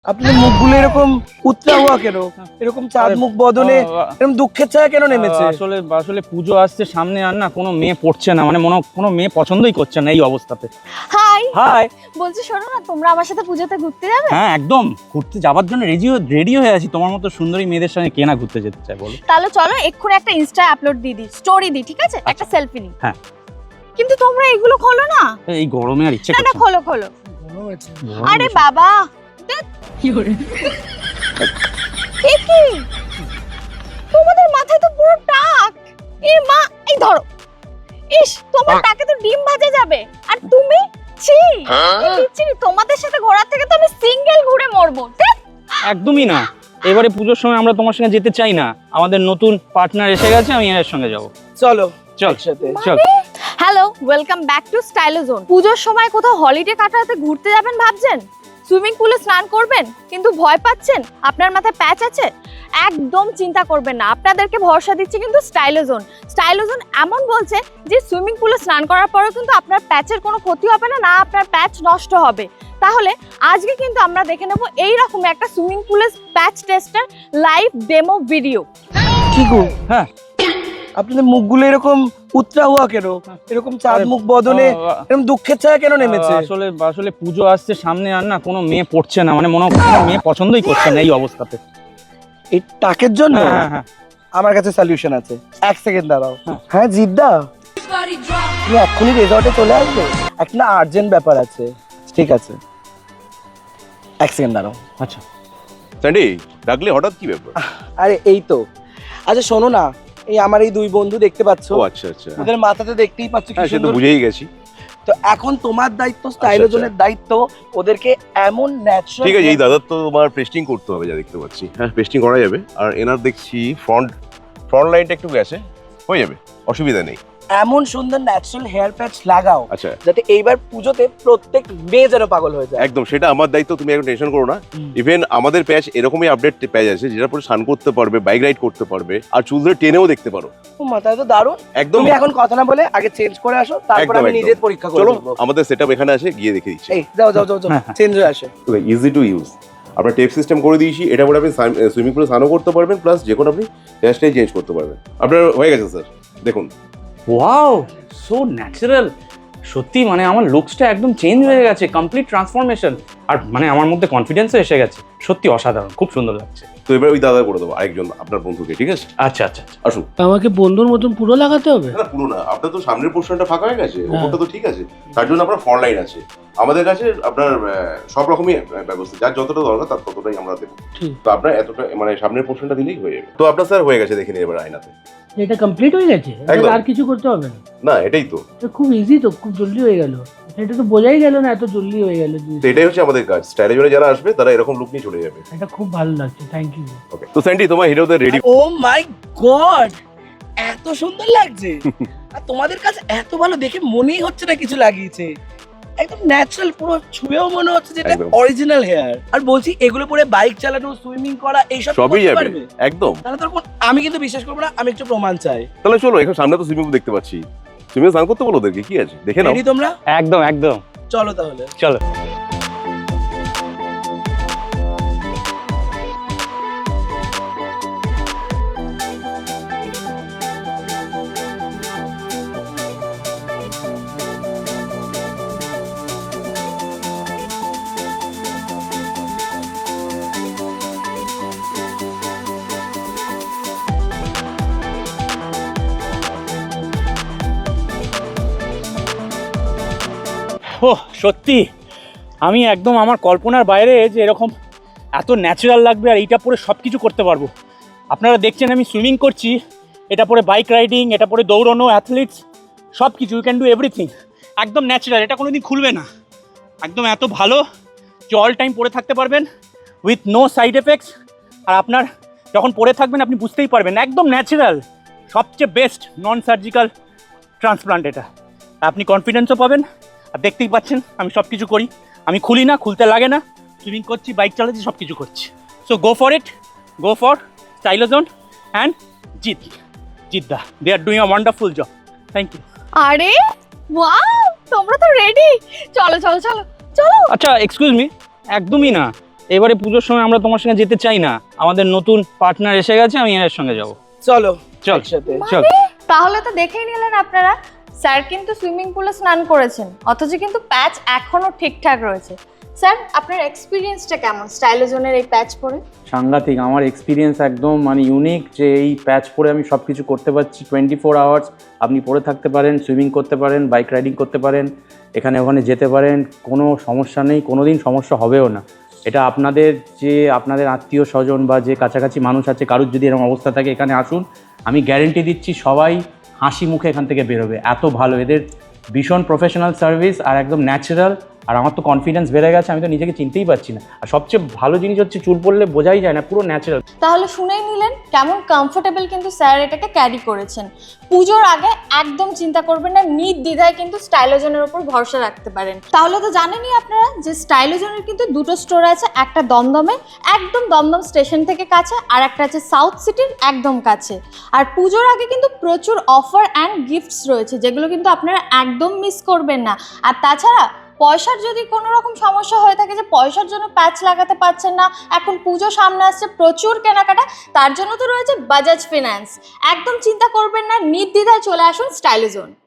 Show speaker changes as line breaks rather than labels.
আপনার মুখগুলো এরকম উত্রা হওয়া কেন? এরকম চাঁদ মুখ বদনে এরকম দুঃখের ছায়া কেন নেমেছে?
আসলে আসলে পুজো আসছে সামনে, আর না কোনো মেয়ে পড়ছে না, মানে কোনো মেয়ে পছন্দই করছে না এই অবস্থাতে।
Hi
hi.
বলছি শোনো না, তোমরা আমার সাথে পুজোতে ঘুরতে যাবে?
হ্যাঁ একদম, ঘুরতে যাওয়ার জন্য রেডি হয়ে আছি। তোমার মতো সুন্দরী মেয়েদের সঙ্গে কে না ঘুরতে যেতে চায় বলো?
তাহলে চলো এক্ষুনি একটা ইনস্টা আপলোড দিয়ে দিই, স্টোরি দিই, ঠিক আছে? একটা সেলফি নিই।
হ্যাঁ।
কিন্তু তোমরা এগুলো খোলো না।
এই গরমে আর ইচ্ছে
না না,
করছে না।
খোলো খোলো। আরে বাবা, কি করে কি তোমাদের মাথায় তো পুরো টাক। এ মা, এই ধরো। ইস, তোমার টাকে তো ডিম ভাজা যাবে। আর তুমি ছি, ছি, তোমাদের সাথে ঘোরার থেকে তো আমি সিঙ্গেল ঘুরে মরবো।
একদমই না, এবারে পুজোর সময় আমরা তোমার সঙ্গে যেতে চাই না। আমাদের নতুন পার্টনার এসে গেছে, আমি এর সঙ্গে যাব।
চলো
চল
একসাথে।
চল।
Hello, welcome back to Stylozone. পুজোর সময় কোথাও হলিডে কাটাতে ঘুরতে যাবেন ভাবছেন? সুইমিং পুলে স্নান করবেন কিন্তু ভয় পাচ্ছেন আপনার মাথায় প্যাচ আছে? একদম চিন্তা করবেন না, আপনাদেরকে ভরসা দিচ্ছে কিন্তু স্টাইলোজোন। স্টাইলোজোন এমন বলছে যে সুইমিং পুলে স্নান করার পরেও কিন্তু আপনার প্যাচের কোনো ক্ষতি হবে না, না আপনার প্যাচ নষ্ট হবে। তাহলে আজকে কিন্তু আমরা দেখে নেব এইরকম একটা সুইমিং পুলের patch tester live demo video.
কি গো,
হ্যাঁ
আপনাদের মুখগুলো এরকম উত্রা হওয়া কেন? এরকম চাঁদ মুখ বদনে এরকম দুঃখের ছায়া কেন নেমেছে?
আসলে আসলে পুজো আসছে সামনে, আর না কোনো মেয়ে পড়ছে না, মানে কোনো মেয়ে পছন্দই করছে না এই অবস্থাতে।
এই টাকের জন্য
হ্যাঁ হ্যাঁ।
আমার কাছে সলিউশন আছে। এক সেকেন্ড দাঁড়াও।
হ্যাঁ।
হ্যাঁ জিদ্দা, তুমি এক্ষুনি রেজর্টে চলে আসবে, একটা আর্জেন্ট ব্যাপার আছে। ঠিক আছে, এক সেকেন্ড দাঁড়াও।
আচ্ছা
স্যান্ডি, ডাকলে হঠাৎ কি ব্যাপার?
আরে এই তো। আচ্ছা শোনো না, এই আমার এই দুই বন্ধু দেখতে পাচ্ছ,
ও আচ্ছা আচ্ছা,
ওদের মাথাতে দেখতেই পাচ্ছ কি
হ্যাঁ সে তো
সুন্দর।
বুঝেই গেছি।
তো এখন তোমার দায়িত্ব, স্টাইলোজনের দায়িত্ব, ওদেরকে এমন ন্যাচারাল।
ঠিক আছে, এই দাদার তো তোমার পেস্টিং করতে হবে যা দেখতে পাচ্ছি। হ্যাঁ পেস্টিং করা যাবে। আর এনার দেখছি ফ্রন্ট লাইনটা একটু গেছে, হয়ে যাবে, অসুবিধা নেই।
এমন সুন্দর ন্যাচারাল হেয়ার প্যাচ লাগাও
আচ্ছা
যাতে এইবার পুজোতে প্রত্যেক মেয়ে যেন পাগল হয়ে যায়।
একদম, সেটা আমার দায়িত্ব, তুমি একদম টেনশন করো না। ইভেন আমাদের প্যাচ এরকমই আপডেট প্যাচ আছে যেটা পরে স্নান করতে পারবে, বাইক রাইড করতে পারবে, আর চুল ধরে টেনেও দেখতে পারো।
ও মাথায় তো দারুণ।
একদম।
তুমি এখন কথা না বলে আগে চেঞ্জ করে আসো, তারপর
একদম,
আমি
একদম।
নিজের পরীক্ষা করে
চলো,
নেব।
আমাদের সেটআপ এখানে আছে, গিয়ে দেখে দিচ্ছি।
এই যাও যাও যাও যাও,
হ্যাঁ, হ্যাঁ।
চেঞ্জ হয়ে আসে।
Easy to use. আপনার টেপ সিস্টেম করে দিয়েছি, এটা পরে আপনি সুইমিং পুলে স্নানও করতে পারবেন, প্লাস যে কোনো আপনি হেয়ার স্টাইল চেঞ্জ করতে পারবেন। আপনার হয়ে গেছে স্যার, দেখুন।
Wow, so natural. সত্যি মানে আমার লুকসটা একদম চেঞ্জ হয়ে গেছে, কমপ্লিট ট্রান্সফরমেশন। আর মানে আমার মধ্যে কনফিডেন্সও এসে গেছে। সত্যি অসাধারণ, খুব সুন্দর লাগছে।
তো এবার ওই দাদা করে দেবো আরেকজন আপনার বন্ধুকে, ঠিক আছে?
আচ্ছা আচ্ছা আচ্ছা।
আসুন।
আমাকে বন্ধুর মতন পুরো লাগাতে হবে?
না পুরো না, আপনার তো সামনের পোর্শনটা ফাঁকা হয়ে গেছে, ওপরটা তো ঠিক আছে। তার জন্য আপনার ফ্রন্ট লাইন আছে আমাদের কাছে। আপনার সব রকমই ব্যবস্থা, যার যতটা দরকার তার ততটাই আমরা দেবো।
ঠিক।
তো আপনার এতটা মানে সামনের পোর্শনটা দিলেই হয়ে যাবে। তো আপনার স্যার হয়ে গেছে, দেখে নিন এবার আয়নাতে।
এটা কমপ্লিট হয়ে গেছে?
একদম।
আর কিছু করতে হবে না?
না এটাই তো।
এটা খুব ইজি তো, খুব জলদি হয়ে গেল। এটা তো বোঝাই গেল না এত জলদি হয়ে গেল।
তো এটাই হচ্ছে আমাদের কাজ। স্টাইলে যারা আসবে তারা এরকম লুক নিয়ে চলে যাবে।
এটা খুব ভালো লাগছে, থ্যাংক ইউ।
ওকে, তো স্যান্ডি তোমার হিরোদের রেডি।
ও মাই গড, এত সুন্দর লাগছে। আর তোমাদের কাছে এত ভালো দেখে মনেই হচ্ছে না কিছু লাগিয়েছে। একদম ন্যাচারাল, পুরো ছুঁয়েও মনে হচ্ছে যেটা
একদম।
Original hair. আর বলছি এগুলো পরে বাইক চালানো, সুইমিং করা এইসব
সবই
করতে
যাবে
পারবে?
একদম।
তাহলে তো আমি কিন্তু বিশ্বাস করবো না, আমি একটু প্রমাণ চাই।
তাহলে চলো, এখন সামনে তো সুইমিং পুল দেখতে পাচ্ছি, সুইমিং স্নান করতে বলো ওদেরকে, কি আছে দেখে নাও।
রেডি তোমরা?
একদম একদম,
চলো তাহলে।
চলো। ও সত্যি আমি একদম আমার কল্পনার বাইরে যে এরকম এত ন্যাচারাল লাগবে, আর এইটা পরে সব কিছু করতে পারবো। আপনারা দেখছেন আমি সুইমিং করছি, এটা পরে বাইক রাইডিং, এটা পরে দৌড়ানো, অ্যাথলিটস, সব কিছু, ইউ ক্যান ডু এভরিথিং। একদম ন্যাচারাল, এটা কোনোদিন খুলবে না। একদম এত ভালো যে অল টাইম পরে থাকতে পারবেন উইথ নো সাইড এফেক্টস। আর আপনার যখন পরে থাকবেন আপনি বুঝতেই পারবেন, একদম ন্যাচারাল, সবচেয়ে বেস্ট নন সার্জিক্যাল ট্রান্সপ্লান্ট এটা। আপনি কনফিডেন্সও পাবেন। আর দেখতেই পাচ্ছেন আমি সব কিছু করি, আমি খুলি না, খুলতে লাগে না, সুইমিং করছি, বাইক চালাচ্ছি, সব কিছু করছি। So go for it, go for Stylozone and জিদ্দা, they are doing a wonderful job. Thank you.
আরে ওয়াও, তোমরা তো রেডি। চলো চলো চলো চলো।
আচ্ছা এক্সকিউজ মি, একদমই না, এবারে পুজোর সময় আমরা তোমার সঙ্গে যেতে চাই না, আমাদের নতুন পার্টনার এসে গেছে, আমি এর সঙ্গে যাব।
চলো
চল
একসাথে।
চল।
তাহলে তো দেখেই নিলেন আপনারা, স্যার কিন্তু সুইমিং পুলে স্নান করেছেন, অথচ কিন্তু প্যাচ এখনো ঠিকঠাক রয়েছে। স্যার, আপনার এক্সপিরিয়েন্সটা কেমন স্টাইলোজনের এই প্যাচ পরে?
সাংঘাতিক, আমার এক্সপিরিয়েন্স একদম মানে ইউনিক, যে এই প্যাচ পরে আমি সব কিছু করতে পারছি। 24 আওয়ার্স আপনি পরে থাকতে পারেন, সুইমিং করতে পারেন, বাইক রাইডিং করতে পারেন, এখানে ওখানে যেতে পারেন, কোনো সমস্যা নেই, কোনো দিন সমস্যা হবেও না। এটা আপনাদের আত্মীয় স্বজন বা যে কাছাকাছি মানুষ আছে, কারুর যদি এরকম অবস্থা থাকে এখানে আসুন, আমি গ্যারেন্টি দিচ্ছি সবাই হাসি মুখে এখান থেকে বেরোবে। এত ভালো, এদের ভীষণ প্রফেশনাল সার্ভিস আর একদম ন্যাচারাল। আর আমার তো কনফিডেন্স বেড়ে গেছে, আমি তো নিজেকে চিনতেই পারছি না। আর সবচেয়ে ভালো জিনিস হচ্ছে চুল পড়লে বোঝাই যায় না, পুরো ন্যাচারাল।
তাহলে শুনেই নিলেন কেমন কমফোর্টেবল কিন্তু স্যার এটাকে ক্যারি করেছেন। পুজোর আগে একদম চিন্তা করবেন না, নির্দ্বিধায় কিন্তু স্টাইলোজনের উপর ভরসা রাখতে পারেন। তাহলে তো জানেনই আপনারা যে স্টাইলোজনের কিন্তু দুটো স্টোর আছে, একটা দমদমে একদম দমদম স্টেশন থেকে কাছে, আর একটা আছে সাউথ সিটির একদম কাছে। আর পুজোর আগে কিন্তু প্রচুর অফার অ্যান্ড গিফটস রয়েছে, যেগুলো কিন্তু আপনারা একদম মিস করবেন না। আর তাছাড়া পয়সার যদি কোনো রকম সমস্যা হয়ে থাকে যে পয়সার জন্য প্যাচ লাগাতে পারছেন না, এখন পুজো সামনে আসছে, প্রচুর কেনাকাটা, তার জন্য তো রয়েছে বাজাজ ফিন্যান্স। একদম চিন্তা করবেন না, নির্দ্বিধায় চলে আসুন স্টাইলোজন।